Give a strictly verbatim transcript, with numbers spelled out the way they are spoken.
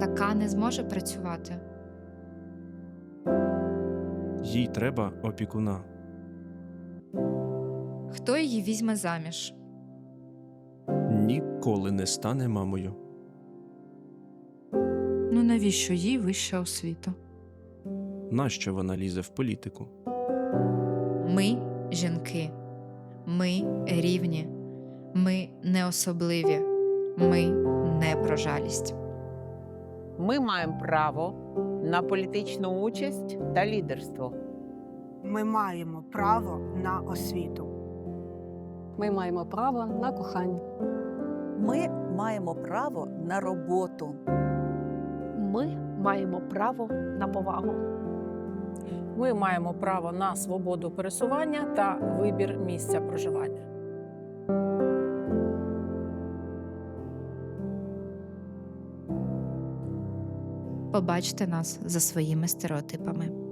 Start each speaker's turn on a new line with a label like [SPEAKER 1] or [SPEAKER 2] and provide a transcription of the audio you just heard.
[SPEAKER 1] така не зможе працювати.
[SPEAKER 2] Їй треба опікуна.
[SPEAKER 1] Хто її візьме заміж?
[SPEAKER 2] Ніколи не стане мамою.
[SPEAKER 3] Ну навіщо їй вища освіта?
[SPEAKER 2] Нащо вона лізе в політику?
[SPEAKER 1] Ми – жінки. Ми – рівні. Ми – не особливі. Ми – не про жалість.
[SPEAKER 4] Ми маємо право на політичну участь та лідерство.
[SPEAKER 5] Ми маємо право на освіту.
[SPEAKER 6] Ми маємо право на кохання.
[SPEAKER 7] Ми маємо право на роботу.
[SPEAKER 8] Ми маємо право на повагу.
[SPEAKER 9] Ми маємо право на свободу пересування та вибір місця проживання.
[SPEAKER 1] Побачте нас за своїми стереотипами.